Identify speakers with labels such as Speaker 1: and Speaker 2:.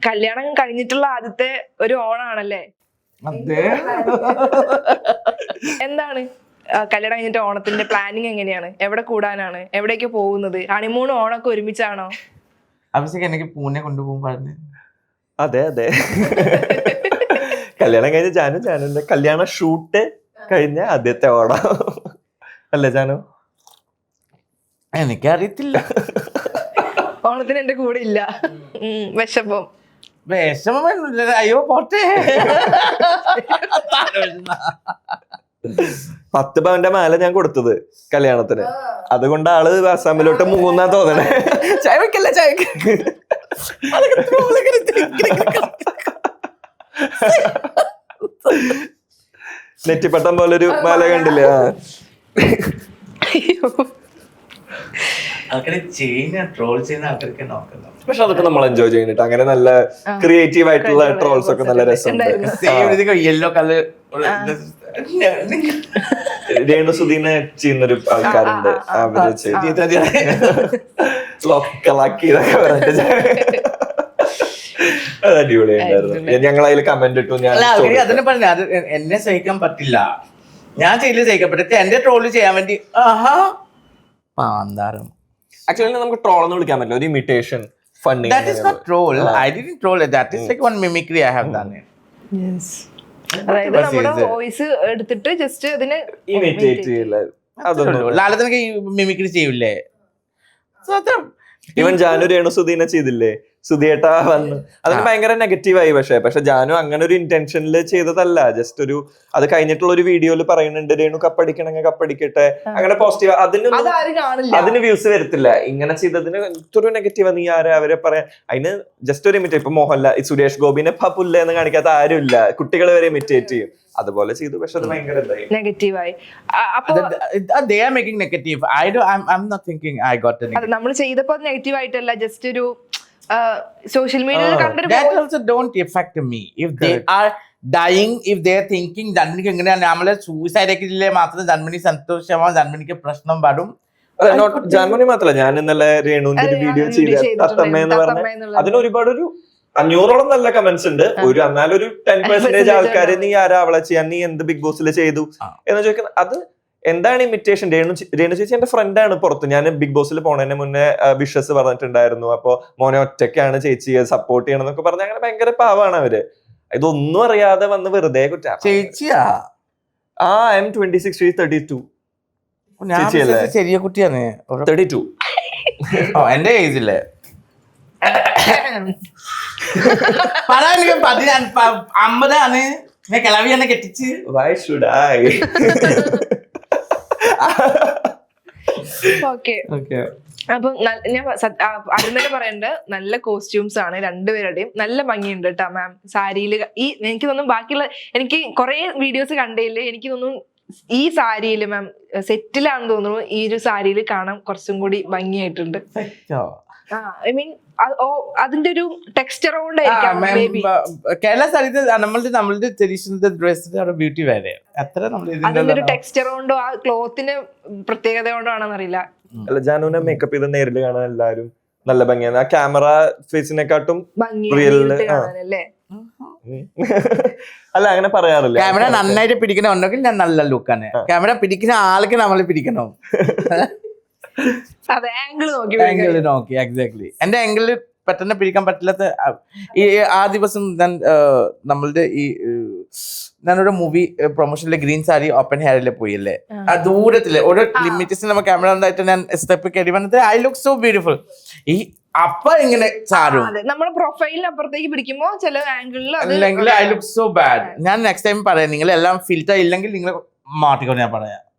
Speaker 1: കല്യാണം കഴിഞ്ഞിട്ടുള്ള ആദ്യത്തെ ഒരു ഓണാണല്ലേ? എന്താണ് കല്യാണം കഴിഞ്ഞിട്ട് ഓണത്തിന്റെ പ്ലാനിങ് എങ്ങനെയാണ്? എവിടെ കൂടാനാണ്? എവിടേക്ക് പോകുന്നത്? ഹണിമൂണും ഓണൊക്കെ ഒരുമിച്ചാണോ?
Speaker 2: അഭിഷേക് എനിക്ക് പൂനെ കൊണ്ടുപോകും പറഞ്ഞു.
Speaker 3: അതെ കല്യാണം കഴിഞ്ഞ ജാനുന്റെ കല്യാണ ഷൂട്ട് കഴിഞ്ഞ ആദ്യത്തെ ഓണം അല്ലേ ജാനു?
Speaker 2: എനിക്കറിയത്തില്ല.
Speaker 1: ഓണത്തിന് എന്റെ കൂടെ ഇല്ല. വിഷമം.
Speaker 2: അയ്യോ പോട്ടെ.
Speaker 3: 10 പവന്റെ മാല ഞാൻ കൊടുത്തത് കല്യാണത്തിന്. അതുകൊണ്ട് ആള് അസാമിലോട്ട് മൂന്നാ തോന്നണേ. ചായ വെക്കല്ല ചായ നെറ്റിപ്പട്ടം പോലൊരു മാല കണ്ടില്ലേ? പക്ഷെ അതൊക്കെ നമ്മൾ എൻജോയ് ചെയ്യുന്നുണ്ട്. അങ്ങനെ നല്ല ക്രിയേറ്റീവ് ആയിട്ടുള്ള ട്രോൾസ് ഒക്കെ നല്ല രസമുണ്ട്.
Speaker 2: യെല്ലോ കളർ
Speaker 3: രേണു സുധീനെ ചെയ്യുന്നൊരു ആൾക്കാരുണ്ട്. അവര് ലോക്കലാക്കിയതൊക്കെ പറഞ്ഞിട്ട് അത് അടിപൊളിയായിരുന്നു. ഞങ്ങൾ അതിൽ കമന്റ് ഇട്ടു. ഞാൻ
Speaker 2: അതിനെ പറഞ്ഞ അത് എന്നെ സഹിക്കാൻ പറ്റില്ല. ഞാൻ ചെയ്തില്ല സഹിക്കാൻ പറ്റില്ല. എന്റെ ട്രോള് ചെയ്യാൻ വേണ്ടി പാന്താരം.
Speaker 3: ആക്ച്വലി നമുക്ക് ട്രോൾ എന്ന് വിളിക്കാൻ പറ്റില്ല. ഒരു imitation funny.
Speaker 2: That is not troll. I didn't troll it. That is like one mimicry I have done it.
Speaker 1: Yes. അതായത് നമ്മുടെ വോയിസ് എടുത്തിട്ട് ജസ്റ്റ് അതിനെ
Speaker 3: ഇമിറ്റേറ്റ് ചെയ്യില്ല. അതൊന്നും
Speaker 2: ലാലത്തിനൊക്കെ മിമിക്രി ചെയ്യൂലേ?
Speaker 3: ഇവൻ ജാനു രേണു സുധീനെ ചെയ്തില്ലേ? സുധിയേട്ടാ വന്നു. അതിന് ഭയങ്കര നെഗറ്റീവായി. പക്ഷെ ജാനു അങ്ങനെ ഒരു ഇന്റൻഷനിൽ ചെയ്തതല്ല. ജസ്റ്റ് ഒരു അത് കഴിഞ്ഞിട്ടുള്ള ഒരു വീഡിയോയിൽ പറയുന്നുണ്ട് രേണു കപ്പടിക്കണമെങ്കിൽ കപ്പടിക്കട്ടെ, അങ്ങനെ പോസിറ്റീവ്. അതിന് വ്യൂസ് വരത്തില്ല. ഇങ്ങനെ ചെയ്തതിന് ഇത്ര നെഗറ്റീവ് നീ ആരാ അവരെ പറയാൻ? അതിന് ജസ്റ്റ് ഒരു ഇമിറ്റേറ്റ്. ഇപ്പൊ മോഹൻലാൽ സുരേഷ് ഗോപിനെ പുല്ല എന്ന് കാണിക്കാത്ത ആരുമില്ല. കുട്ടികൾ വരെ ഇമിറ്റേറ്റ് ചെയ്യും. അതുപോലെ ചെയ്തു. പക്ഷെ അത് ഭയങ്കര
Speaker 1: നെഗറ്റീവായി.
Speaker 2: They are making negative. I'm not thinking I got the negative.
Speaker 1: നമ്മൾ ചെയ്തപ്പോ നെഗറ്റീവ് ആയിട്ടല്ല, ജസ്റ്റ് ഒരു സോഷ്യൽ മീഡിയയിൽ കണ്ടൊരു
Speaker 2: that also don't affect me. If they are dying, if they are thinking ജന്മനിക്ക് എങ്ങനെയാണ് നമ്മളെ സൂയിസൈഡ് ഒക്കെ മാത്രം ജന്മനി സന്തോഷമാവും, ജന്മനിക്ക് പ്രശ്നം പാടും.
Speaker 3: ജാൻമണി മാത്രല്ല, ഞാൻ ഇന്നലെ രേണുവിന്റെ ഒരു വീഡിയോ ചെയ്ത തത്തമ്മ എന്ന് പറഞ്ഞ അതിന് ഒരുപാട് ഒരു 500ഓളം നല്ല കമന്റ്സ് ഉണ്ട്. എന്നാലും ഒരു 10% ആൾക്കാര് നീ ആരാ അവളെ ചെയ്യാൻ, നീ എന്ത് ബിഗ് ബോസിൽ ചെയ്തു എന്ന് ചോദിക്കുന്നത്. അത് എന്താണ് ഇമിറ്റേഷൻ? രേണു ചേച്ചി എന്റെ ഫ്രണ്ടാണ് പുറത്ത്. ഞാൻ ബിഗ് ബോസിൽ പോണതിന് മുന്നേ വിഷസ് പറഞ്ഞിട്ടുണ്ടായിരുന്നു. അപ്പൊ മോനെ ഒറ്റയ്ക്കാണ് ചേച്ചിയെ സപ്പോർട്ട് ചെയ്യണം എന്നൊക്കെ പറഞ്ഞ അങ്ങനെ ഭയങ്കര പാവാണ് അവര്. ഇതൊന്നും അറിയാതെ വന്ന് വെറുതെ കുറ്റം.
Speaker 2: ചേച്ചിയാ?
Speaker 3: I'm 26, she's 32.
Speaker 2: ചെറിയ കുട്ടിയാണ്.
Speaker 3: 32.
Speaker 2: എന്റെ ഏജില്ലേ? പറയാൻ 50 കിളവിയാണ് കെട്ടിച്ച്.
Speaker 3: Why should I?
Speaker 1: ഓക്കെ. അപ്പൊ ഞാൻ ആദ്യം തന്നെ പറയണ്ട, നല്ല കോസ്റ്റ്യൂംസ് ആണ് രണ്ടുപേരുടെയും. നല്ല ഭംഗിയുണ്ട് കേട്ടോ മാം സാരിയില്. എനിക്ക് തോന്നുന്നു ബാക്കിയുള്ള എനിക്ക് കുറെ വീഡിയോസ് കണ്ടതില് എനിക്ക് തോന്നുന്നു ഈ സാരിയില് മാം സെറ്റിലാണെന്ന് തോന്നുന്നു. ഈ ഒരു സാരിയില് കാണാൻ കുറച്ചും കൂടി ഭംഗിയായിട്ടുണ്ട്. ഐ മീൻ അതിന്റെ ഒരു ടെക്സ്ചർ കൊണ്ടായിരിക്കാം.
Speaker 2: കേരള സാരി നമ്മളുടെ ട്രഡീഷണൽ ഡ്രസ്സിന്റെ ബ്യൂട്ടി വേറെ.
Speaker 1: അതിന്റെ ഒരു ടെക്സ്ചർ കൊണ്ടോ ആ ക്ലോത്തിന് പ്രത്യേകത കൊണ്ടോ ആണെന്ന് അറിയില്ല.
Speaker 3: അല്ല, ജാനുവിനെ മേക്കപ്പ് ചെയ്ത് നേരിൽ കാണാൻ എല്ലാരും നല്ല ഭംഗിയാണ്. ആ ക്യാമറ ഫേസിനെക്കാട്ടും
Speaker 1: ഭംഗിയല്ലേ?
Speaker 3: അല്ല, അങ്ങനെ പറയാറില്ല.
Speaker 2: ക്യാമറ നന്നായിട്ട് പിടിക്കണമെന്നുണ്ടെങ്കിൽ ഞാൻ നല്ല ലുക്കാണ്. ക്യാമറ പിടിക്കുന്ന ആൾക്ക് നമ്മൾ പിടിക്കണം.
Speaker 1: അതെ, ആംഗിൾ
Speaker 2: നോക്കി എക്സാക്ട്ലി. എന്റെ ആംഗിളിൽ പെട്ടെന്ന് പിടിക്കാൻ പറ്റില്ലാത്ത ആ ദിവസം നമ്മളുടെ ഞാനൊരു മൂവി പ്രൊമോഷനിലെ ഗ്രീൻ സാരി ഓപ്പൺ ഹെയറിൽ പോയില്ലേ, ആ ദൂരത്തില് ഒരു ലിമിറ്റേഷൻ നമ്മ ക്യാമറ ഉണ്ടായിട്ട് ഞാൻ സ്റ്റെപ്പ് കയറി വന്നിട്ട് ഐ ലുക്ക് സോ ബ്യൂട്ടിഫുൾ. ഈ അപ്പ ഇങ്ങനെ ചാരും
Speaker 1: നമ്മുടെ പ്രൊഫൈലിന് അപ്പുറത്തേക്ക് പിടിക്കുമ്പോ ചില ആംഗിളിൽ
Speaker 2: അല്ലെങ്കിൽ ഐ ലുക്ക് സോ ബാഡ്. ഞാൻ നെക്സ്റ്റ് ടൈം പറയാം, നിങ്ങൾ എല്ലാം ഫിൽറ്റർ ഇല്ലെങ്കിൽ നിങ്ങൾ മാറ്റിക്കൊണ്ട് ഞാൻ പറയാം.